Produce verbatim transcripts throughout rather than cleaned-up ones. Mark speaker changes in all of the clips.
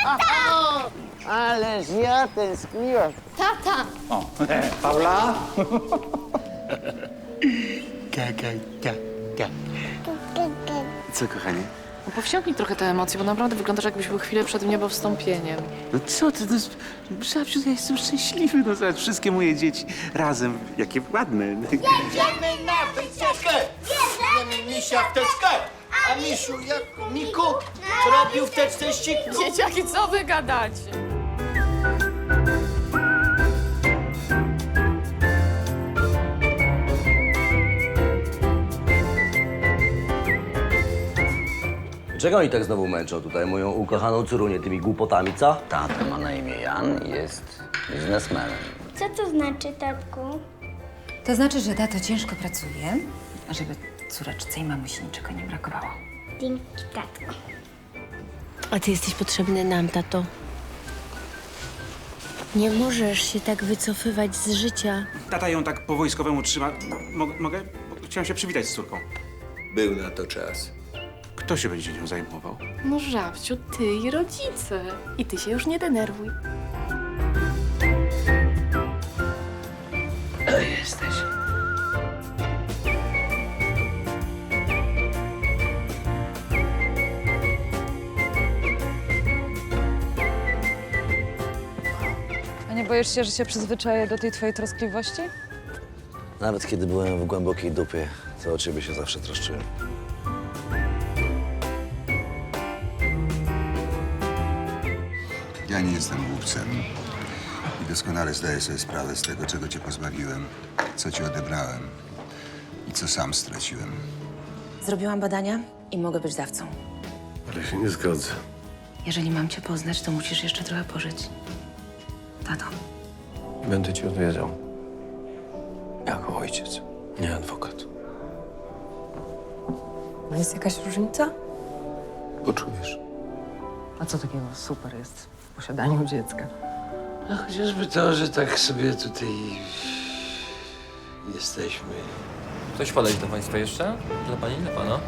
Speaker 1: Ależ ja tęskniłem.
Speaker 2: Tata!
Speaker 3: O, Paula?
Speaker 4: Co, kochanie?
Speaker 2: No powściągnij trochę te emocje, bo naprawdę wyglądasz, jakbyś był chwilę przed niebowstąpieniem.
Speaker 4: No co ty, no, Żabciu, ja jestem szczęśliwy, no zobacz, wszystkie moje dzieci razem, jakie ładne.
Speaker 5: Jedziemy na wycieczkę! Bierzemy misia w teczkę! A misiu, jak Miku, co robił w teczce ściku?
Speaker 2: Dzieciaki, co wy gadacie?
Speaker 6: Czego oni tak znowu męczą tutaj moją ukochaną córunię tymi głupotami, co?
Speaker 3: Tata ma na imię Jan i jest biznesmenem.
Speaker 7: Co to znaczy, tatku?
Speaker 8: To znaczy, że tato ciężko pracuje, żeby córeczce i mamusi niczego nie brakowało.
Speaker 7: Dzięki, tatku.
Speaker 9: A ty jesteś potrzebny nam, tato. Nie możesz się tak wycofywać z życia.
Speaker 10: Tata ją tak po wojskowemu trzyma. Mo- mogę? Bo chciałem się przywitać z córką.
Speaker 5: Był na to czas.
Speaker 10: Kto się będzie nią zajmował?
Speaker 2: No Żabciu, ty i rodzice. I ty się już nie denerwuj.
Speaker 4: Jesteś.
Speaker 11: A nie boisz się, że się przyzwyczaję do tej twojej troskliwości?
Speaker 6: Nawet kiedy byłem w głębokiej dupie, to o ciebie się zawsze troszczyłem.
Speaker 12: Ja nie jestem głupcem i doskonale zdaję sobie sprawę z tego, czego cię pozbawiłem, co ci odebrałem i co sam straciłem.
Speaker 8: Zrobiłam badania i mogę być dawcą.
Speaker 4: Ale się nie zgodzę.
Speaker 8: Jeżeli mam cię poznać, to musisz jeszcze trochę pożyć. Tato.
Speaker 4: Będę ci odwiedzał. Jako ojciec, nie adwokat.
Speaker 11: Jest jakaś różnica?
Speaker 4: Poczujesz.
Speaker 11: A co takiego super jest w posiadaniu dziecka?
Speaker 4: No chociażby to, że tak sobie tutaj jesteśmy.
Speaker 13: Coś podać do państwa jeszcze? Dla pani, dla pana?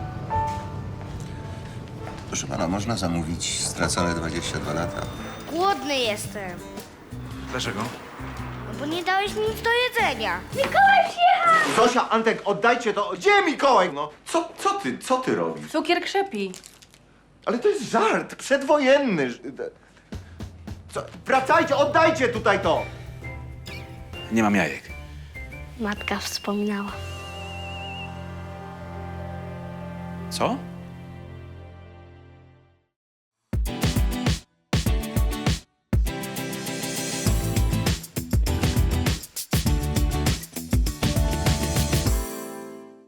Speaker 12: Proszę pana, można zamówić stracone dwadzieścia dwa lata?
Speaker 7: Głodny jestem,
Speaker 10: Dlaczego?
Speaker 7: bo nie dałeś mi nic do jedzenia.
Speaker 5: Zosia, Antek, oddajcie to. Gdzie Mikołaj? No, co, co ty, co ty robisz?
Speaker 11: Cukier krzepi.
Speaker 5: Ale to jest żart, przedwojenny. Co? Wracajcie, oddajcie tutaj to!
Speaker 10: Nie mam jajek.
Speaker 7: Matka wspominała.
Speaker 10: Co?